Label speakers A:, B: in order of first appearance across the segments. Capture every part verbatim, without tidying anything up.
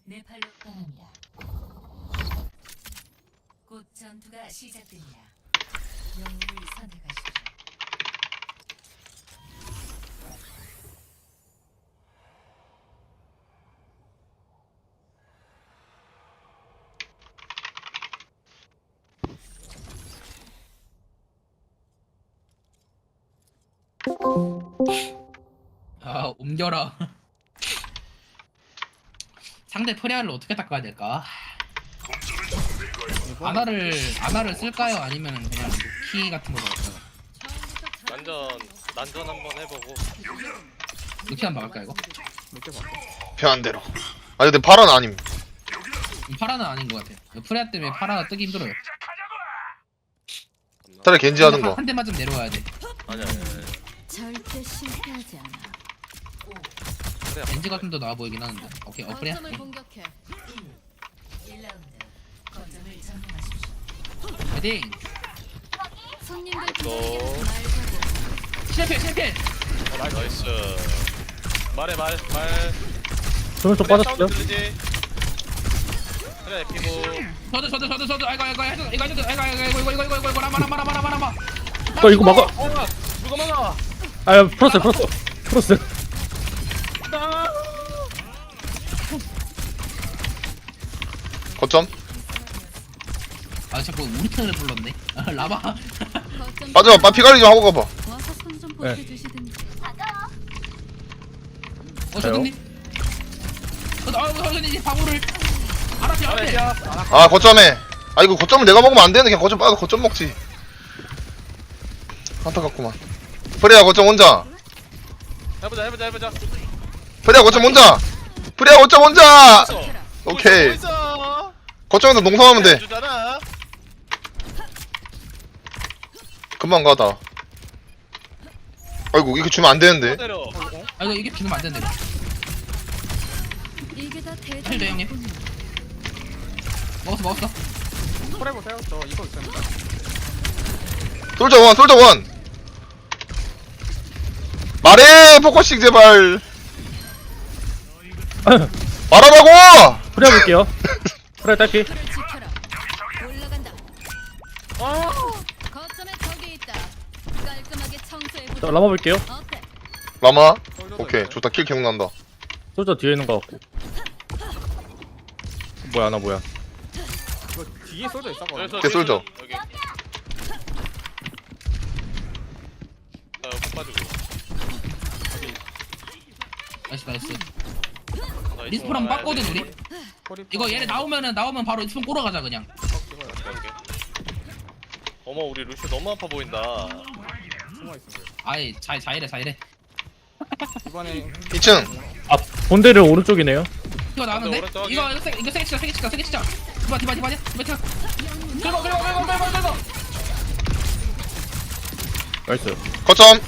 A: 네팔로 떠납니다. 곧 전투가 시작됩니다. 영웅을 선택하십시오.
B: 아, 옮겨라. 상대 프레아를 어떻게 닦아야 될까? 아나를 아나를 쓸까요? 아니면 그냥 키 같은 거 넣을까요?
C: 난전 난전 한번 해보고.
B: 루키 한번 박을까 이거?
D: 편한대로. 아니 근데 파란 아님.
B: 음, 파라는 아닌 것 같아. 프레아 때문에 파라 뜨기 힘들어요.
D: 차라리 겐지 하는 거.
B: 한 대만 좀 내려와야 돼.
C: 아니야 아니야. 아니야.
E: 절대 실패하지 않아.
C: 그래.
B: 겐지 같은 도 나와 보이긴 하는데. 오케이, 어 프레아.
E: 거점을 공격해.
A: 일 라운드 거점을 점령하십시오.
B: 헤딩.
E: 손님들
C: 또.
E: 기다리게 말고.
B: 실패 실패.
C: 나이스. 말해 말 말.
F: 저는 좀 빠졌어요.
C: 들리지? 그래 피고.
B: 저도 저도 저도 저도 아이고 아이고 아이고 이거 이거 이거 이거 이거 이거 이거 이거 이거 라마 라마 라마 라마 라마.
F: 어 이거 막아.
C: 어, 누가 막아?
F: 아 풀었어요 풀었어. 풀었어요.
D: 거점.
B: 아 자꾸 우리 편을 불렀네. 아, 라마.
E: 거점
D: 빠져. 빠 피관리 좀 하고 가봐.
E: 와서 손좀
F: 네.
E: 보태주시든지.
B: 어 저든님. 어 저든님 방울을 알았지 알았지.
D: 아 거점에. 아 이거 거점을 내가 먹으면 안 되는데 그냥 거점 빠져 거점 먹지. 안타깝구만. 프레야 거점 혼자.
C: 해보자 해보자 해보자.
D: 프레야 거점 혼자. 프레야 거점 혼자.
C: 있어.
D: 오케이.
C: 있어.
D: 거점에서 농성하면 돼.
C: 주잖아.
D: 금방 가다. 아이고 이거 주면 안 되는데.
C: 때려.
B: 아 이거 이게 비누면 안 된대.
E: 이게 다
B: 힐 돼, 형님.
E: 대단한
B: 먹었어 먹었어.
G: 콜해보세요. 저 이거 있습니다.
D: 솔저 원 솔저 원. 말해 포커싱 제발. 말하라고.
F: 프레 볼게요. 프레 딸피.
E: 틀을 지켜라. 올라간다.
C: 아.
E: 거점에 적이 있다. 깔끔하게 청소해
F: 자
E: 보자.
F: 라마 볼게요.
E: 어때?
D: 라마. 오케이 좋다 킬 기억난다.
F: 솔저 뒤에 있는 거 같고. 뭐야 나 뭐야.
G: 이거 뒤에 쏠져 있어.
C: 여기서
D: 걔 쏠져.
C: 여기. 나 여기 빠지고.
B: 나이스 나이스.
C: 나
B: 리스폰
C: 이쪽으로
B: 한번
C: 가야
B: bas거든
C: 돼.
B: 우리. 이거 얘네 나오면은 나오면 바로 리스폰 꼬러 가자 그냥.
C: 오케이, 오케이. 어머 우리 루시 너무 아파 보인다.
G: 숨어 있어요.
B: 아이 잘 잘이래 잘이래.
G: 이번에
D: 이 층.
F: 아 본대를 오른쪽이네요.
B: 이거 나왔는데?
C: 오른쪽 확인.
B: 이거 이거 세 이거 세게 치자 세게 치자 세게 치자. 디바 디바 디바 디바 디바. 긁어 긁어 긁어 긁어 긁어.
F: 나이스.
D: 거점.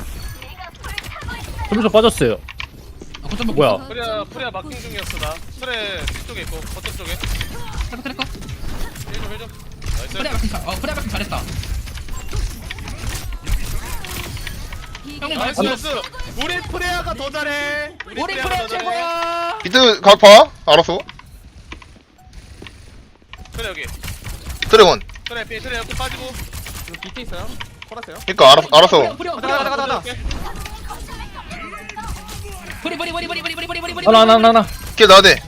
F: 솔저 빠졌어요.
B: 아 거점 먹고.
F: 뭐야?
C: 프리아 프리아 마킹 중이었어 나. 프레 뒤쪽에 있고 거점 쪽에.
B: 트래커 트래커.
C: 힐좀 힐좀. 나이스.
B: 프레아 마킹 잘. 어 프레아 마킹 잘했다. 형님
C: 나이스
B: 나이스.
C: 나이스. 우리 프레아가 더 잘해.
B: 우리
C: 프레아가
B: 프레아
C: 더 잘해.
B: 최고야.
D: 비트 각파. 알았어.
C: 그래 여기.
D: 드래곤.
C: 그래 피 그래 여기 빠지고.
G: 이거 밑에 있어요. 콜았어요.
D: 그니까 알았어 알았어.
B: 프레아
G: 가자 가자 가자 가자.
B: 프리 프리 프리 프리 프리 프리 프리 프리 프리.
F: 하나 하나 하나 하나.
D: 걔 나야 돼.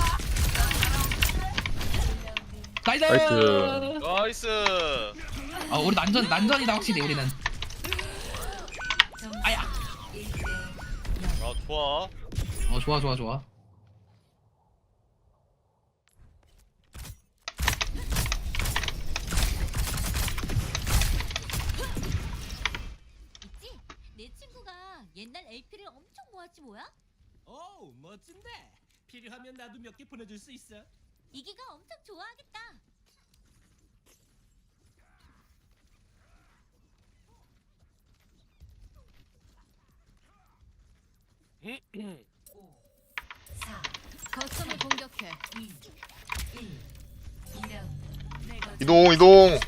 B: 나이스.
F: 나이스.
C: 나이스.
B: 아 우리 난전 난전이다 확실히 우리는. 아야.
C: 아 좋아.
B: 어 좋아 좋아 좋아.
E: 있지? 내 친구가 옛날 에이피를 엄청 모았지 뭐야?
H: 오 멋진데 필요하면 나도 몇 개 보내줄 수 있어.
E: 이기가 엄청 좋아하겠다.
A: 사,
E: 거점을 공격해.
A: 이, 일. 이 라운드. 내 거점
D: 이동 이동.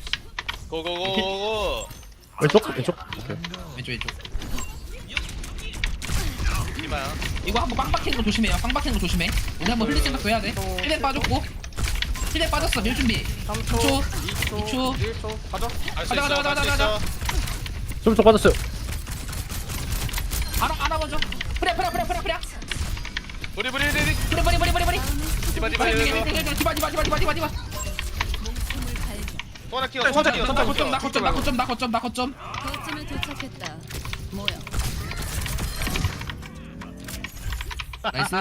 C: 고고고고.
F: 왼쪽 왼쪽. 오케이.
B: 왼쪽 왼쪽.
C: 이마야.
B: 이거 한번 빵 박히는 거 조심해요. 빵 박히는 거 조심해. 우리 한번 흘릴 생각도 해야 돼. 힐맨 빠졌고. 힐맨 빠졌어. 밀 준비.
G: 삼
B: 초,
G: 초,
B: 이
G: 이 초,
B: 초.
G: 일 초. 가자.
C: 할수
B: 가자,
C: 있어.
B: 가자,
C: 할수
B: 가자,
C: 있어.
F: 좀 빠졌어요.
B: 알아 알아 먼저. 프레 프레 프레 프레 프레.
C: 우리 우리 우리.
B: 프레 프레 프레 프레 프레.
C: 디바 디바
B: 빨리
C: 디바.
B: 빨리 빨리 디바 디바 디바 디바 디바 디바.
C: 또 하나 키워. 또 하나 키워. 또
B: 나
C: 하나
B: 거점 나
C: 키워.
B: 거점 나 거점 나 거점 나 거점.
E: 거점에 도착했다. 모여.
B: 나이스.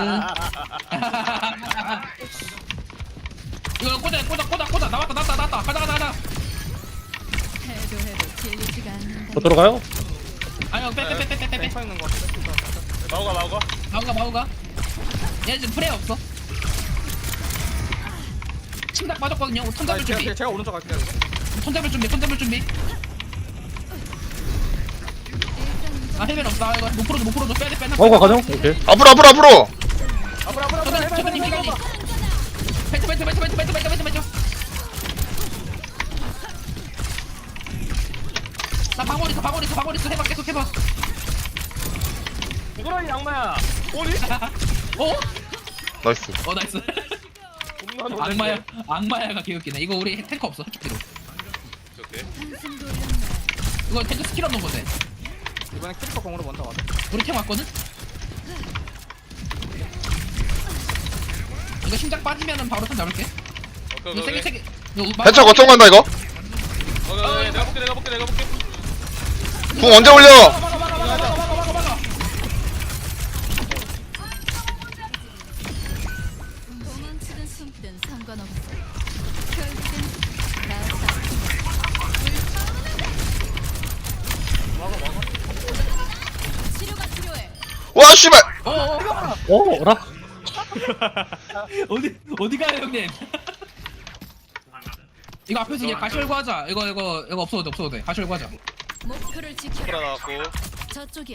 B: 이거 꽂아 꽂아 꽂아 꽂아 나왔다 나왔다 나왔다 가자 가자 가자.
E: 해도 해도 질리지가 않는다.
F: 더 들어가요?
B: 아니요 빼빼빼빼빼빼.
G: 펜쳐 있는 거 같아.
C: 마오가 마오가.
B: 마우가 마우가. 얘 지금 프레 없어. 침닥 빠졌거든요. 톤
G: 나
B: 잡을
G: 제가,
B: 준비.
G: 제가 오른쪽 갈게요. 이거.
B: 톤 잡을 준비. 톤 잡을 준비. 아 헬멧 없다. 이거 못 풀어줘 못 풀어줘. 빼야 돼 빼야 돼.
F: 마오가 가정? 오케이.
D: 앞으로 앞으로 앞으로.
G: 앞으로 앞으로 앞으로.
B: 저번 저번님 기간이. 벤트 벤트 벤트 벤트 벤트 벤트 벤트 벤트. 나 방울 있어 방울 있어 방울 있어 해봐 계속 해봐.
C: 누구라니 양마야. 오니?
B: 어?
D: 나이스.
B: 어 나이스.
C: 겁나
B: 악마야 악마야가 개웃기네. 이거 우리 탱커 없어 솔직히.
C: 오케이.
E: 한숨 돌렸네.
B: 이거 탱크 스킬 없는 건데.
G: 이번에 캐릭터 공으로 먼저 가자.
B: 우리 탱 왔거든. 이거 심장 빠지면은 바로 턴 잡을게.
C: 오케이
B: 이거 세게
C: 오케이.
B: 세게. 이거
D: 해처 거점 간다 이거.
C: 오케이 오케이. 내가 볼게 내가 볼게 내가 볼게.
D: 궁 언제 올려?
B: 막아 막아 막아 막아 막아 막아.
E: 도망치든 숨든 상관없어. 결국엔 나사. 치료가 필요해.
D: 와 씨발.
B: 어어.
F: 어, 어라?
B: 어디 어디 가요 형님? 이거 앞에서 그냥 가시 열고 하자. 이거 이거 이거 없어도 돼 없어도 돼. 가시 열고 하자.
E: 목표를
C: 프라
E: 지켜라.
C: 나왔고.
E: 저쪽이야.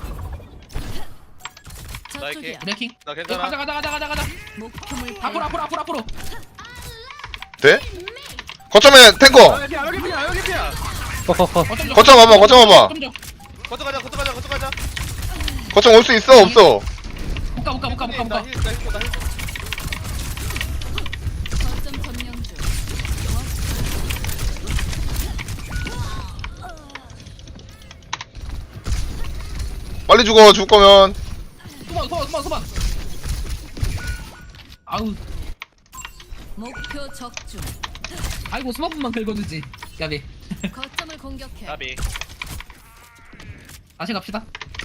C: 나이키.
E: 저쪽이야.
B: 브레이킹.
C: 나
B: 이거
C: 괜찮아.
B: 가자 가자 가자 가자 가자.
E: 목표물
B: 앞으로 앞으로 앞으로 앞으로.
D: 돼? 거점에 탱커.
C: 여기 여기 피야 여기 피야.
F: 컷컷컷.
B: 거점 줘.
D: 거점 와봐 거점 와봐.
B: 거점 줘.
C: 거쳐 가자 거쳐 가자 거쳐 가자.
D: 거점 올 수 있어 없어?
B: 못가 못가 못가 못가
C: 나
B: 못가.
C: 힐, 나 힐, 나 힐.
E: 거점 점령 중.
D: 빨리 죽어 죽을 거면.
B: 소만 소만 소만 소만. 아우
E: 목표 적중.
B: 아이고 스마트만 긁어주지. 야비.
E: 거점을 공격해.
C: 나비.
B: 다시 갑시다.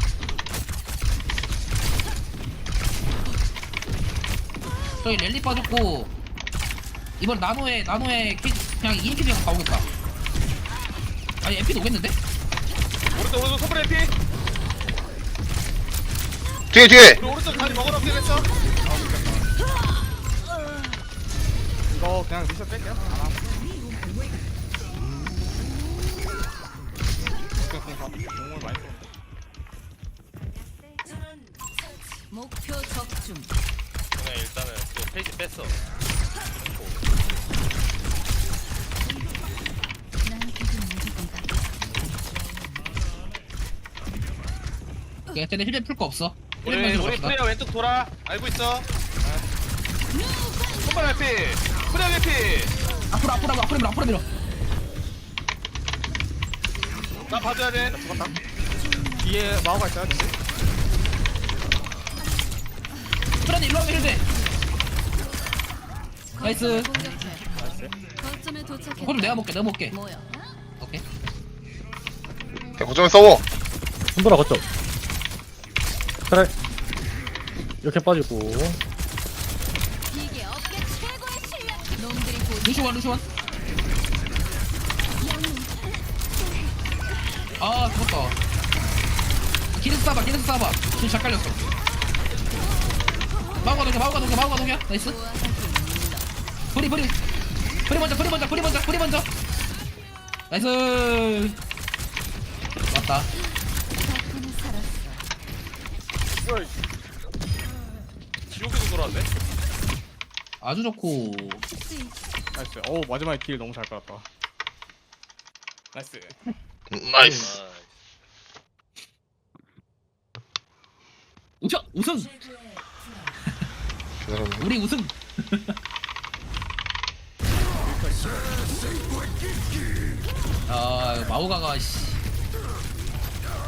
B: 저기 랠리 빠졌고 이번 나노에 나노에 키, 그냥 이인피 그냥 가오겠다. 아니 엠피도 오겠는데?
C: 오른쪽 오른쪽 소프레 피.
D: 뒤에 뒤에.
C: 우리 오른쪽 다리 먹으러 피했어.
G: 이거 그냥 미션 뺄게요. 안 하고. 그냥 그냥 가. 공을 많이 써.
E: 목표 적중.
C: 그냥 일단은 그 페이지 뺐어.
E: 나한테 좀 무조건 가.
B: 야 쟤네 힐맨 풀 거 없어.
C: 우리
B: 힐맨만
C: 우리
B: 들어갑시다.
C: 프레야 왼쪽 돌아. 알고 있어. 손발 피. 프레야 피.
B: 앞으로 앞으로 앞으로 앞으로 밀어 앞으로 밀어.
C: 나 봐줘야 돼.
G: 죽었다. 뒤에 마오가 있어요. 뒤에.
B: 프렌드 일로 와면 힐돼. 나이스.
E: 거점을 공격해. 거점에 도착해.
B: 그럼 내가 먹게 내가 먹게.
E: 모여.
B: 오케이.
D: 그냥 거점에 써워.
F: 손보라 거점. 그래. 이렇게 빠지고.
E: 이게 업계 최고의 실력. 놈들이 곧
B: 루시원 루시원. 아 죽었다. 기르스 쏴봐 기르스 쏴봐. 지금 잘 깔렸어. 마우가 녹여 마우가 녹여 마우가 녹여. 나이스.
E: 좋아하긴 물러.
B: 브리 브리 브리 먼저 브리 먼저 브리 먼저 브리 먼저. 나이스. 왔다.
E: 덕분에 살았어.
C: 지옥에서 돌아왔네.
B: 아주 좋고.
E: 스위치.
G: 나이스. 오 마지막에 길 너무 잘 깔았다. 나이스.
D: 음, 나이스.
C: 아,
B: 우승 우승
D: 기다렸네.
B: 우리 우승. 아 마오가가 씨.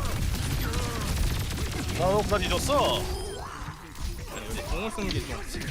C: 나까지 줬어.
G: 공을 쓰는 게 좀.